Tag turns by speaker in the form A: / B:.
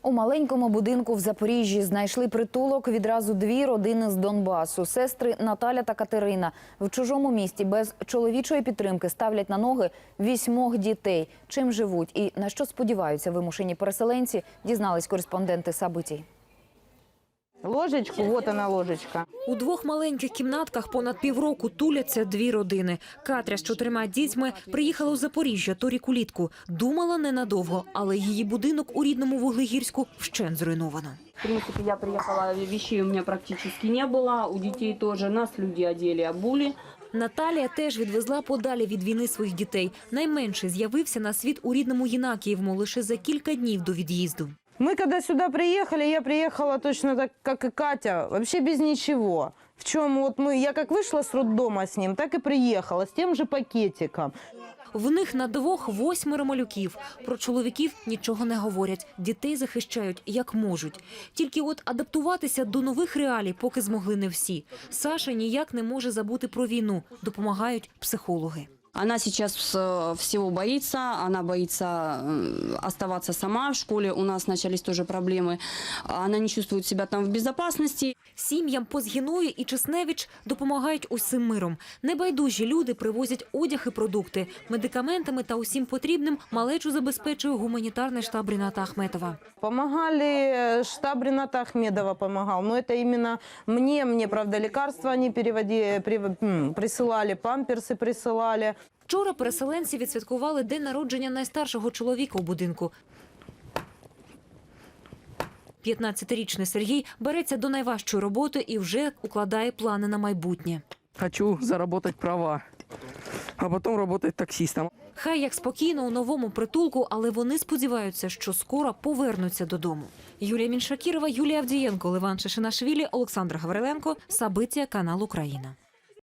A: У маленькому будинку в Запоріжжі знайшли притулок відразу дві родини з Донбасу. Сестри Наталя та Катерина в чужому місті без чоловічої підтримки ставлять на ноги 8 дітей. Чим живуть і на що сподіваються вимушені переселенці, дізнались кореспонденти «Сабитій».
B: Ложечку, вот она ложечка.
C: У двох маленьких кімнатках понад півроку туляться дві родини. Катря з 4 дітьми приїхала у Запоріжжя торік улітку. Думала ненадовго, але її будинок у рідному Вуглегірську вщент зруйновано.
D: В принципе, я приехала, вещей у меня практически не было, у детей тоже. Нас люди одели, обули.
C: Наталія теж відвезла подалі від війни своїх дітей. Найменший з'явився на світ у рідному Єнакіївому лише за кілька днів до від'їзду.
B: Мы когда сюда приехали, я приехала точно так, как и Катя, вообще без ничего. В чем вот я как вышла с роддома с ним, так и приехала, с тем же пакетиком.
C: В них на двох 8 малюків. Про чоловіків нічого не говорять. Дітей захищають як можуть. Тільки от адаптуватися до нових реалій поки змогли не всі. Саша ніяк не може забути про війну. Допомагають психологи.
D: Она сейчас всего боится, она боится оставаться сама. В школе у нас начались тоже проблемы. Она не чувствует себя там в безопасности.
C: Сім'ям Позгіної і Чесневич допомагають усім миром. Небайдужі люди привозять одяг і продукти. Медикаментами та усім потрібним малечу забезпечує гуманітарний штаб Ріната Ахметова.
B: Помогали, штаб Рената Ахмедова помогал, но это именно мне, правда, лекарства они присылали, памперсы присылали.
C: Вчора переселенці відсвяткували день народження найстаршого чоловіка у будинку. 15-річний Сергій береться до найважчої роботи і вже укладає плани на майбутнє.
E: Хочу заработать права, а потом работать таксистом.
C: Хай як спокійно у новому притулку, але вони сподіваються, що скоро повернуться додому. Юлія Міншакірова, Юлія Авдієнко, Леван Шишинашвілі, Олександр Гавриленко, Сабиття, канал Україна.